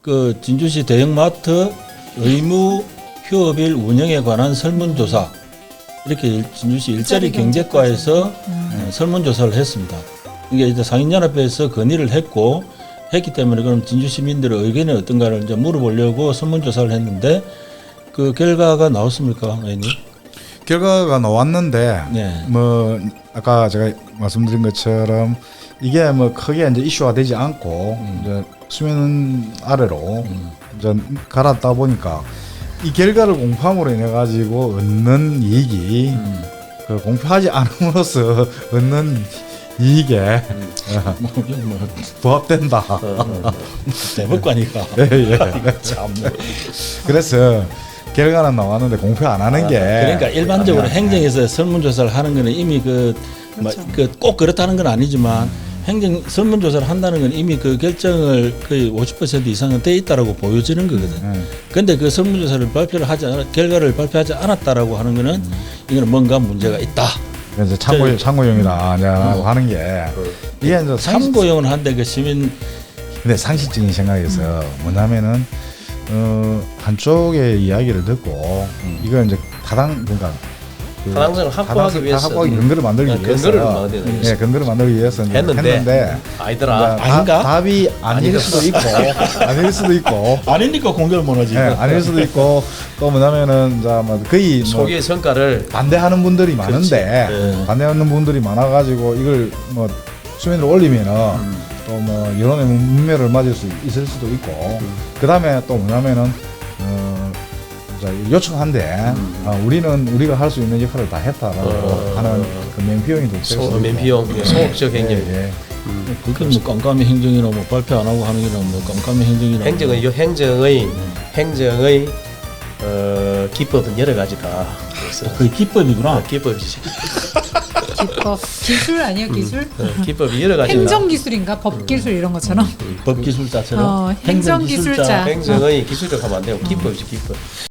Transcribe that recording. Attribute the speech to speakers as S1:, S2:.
S1: 그 진주시 대형마트 의무 휴업일 운영에 관한 설문조사 이렇게 진주시 일자리 경제과에서 설문조사를 했습니다. 이게 이제 상인연합회에서 건의를 했기 때문에 그럼 진주 시민들의 의견이 어떤가를 이제 물어보려고 설문조사를 했는데 그 결과가 나왔습니까, 의원님?
S2: 결과가 나왔는데
S1: 네.
S2: 뭐 아까 제가 말씀드린 것처럼 이게 뭐 크게 이제 이슈화 되지 않고 이제 수면 아래로 이제 갈았다 보니까 이 결과를 공표함으로 인해 가지고 얻는 이익이 그 공표하지 않음으로써 얻는 이익에
S1: 뭐
S2: 부합된다.
S1: 대법관이가.
S2: 예.
S1: 참.
S2: 그래서 결과는 나왔는데 공표 안 하는 게
S1: 그러니까 일반적으로 행정에서 설문조사를 하는 거는 이미 꼭 그렇다는 건 아니지만 행정 설문조사를 한다는 건 이미 그 결정을 거의 50% 이상은 돼 있다라고 보여지는 거거든. 근데 그 설문조사를 결과를 발표하지 않았다라고 하는 거는 이거는 뭔가 문제가 있다.
S2: 그래서 참고용이라고 하는 게 이게 이제
S1: 참고용은 한데 그 시민
S2: 근데 상식적인 생각에서 뭐냐면은 한쪽의 이야기를 듣고 이걸 이제 그러니까
S3: 타당성을 확보하기 위해서
S2: 근거를 만들기 위해서 근거를 만들기 위해서 했는데
S3: 아니더라.
S1: 아닌가?
S2: 답이 아닐 수도 있고 아닐 수도 있고
S1: 아니니까 공개를 못하지.
S2: 아닐 수도 있고 또 뭐냐면은 이제 뭐 거의 뭐
S3: 소기의 성과를
S2: 반대하는 분들이 많은데 반대하는 분들이 많아가지고 이걸 뭐 수면으로 올리면은 또 뭐 여론의 문매를 맞을 수 있을 수도 있고 그 다음에 또 뭐냐면은 요청한데 우리가 할 수 있는 역할을 다 했다라고 하는 그 면피용이 될 수 있고
S3: 면피용 소극적 행정.
S1: 그게 뭐 깜깜이 행정이나 뭐 발표 안 하고 하는 게나 뭐 깜깜이 행정이나
S3: 행정의 기법은 여러 가지다. 그래서
S1: 그게 기법이구나.
S3: 기법이지.
S4: 기법 기술 아니에요 기술?
S3: 기법이 여러 가지다.
S4: 행정 기술인가 법 기술 이런 것처럼.
S1: 법기술자처럼
S4: 행정 기술자.
S3: 행정의 기술적 하면 안 되고 기법이지 기법.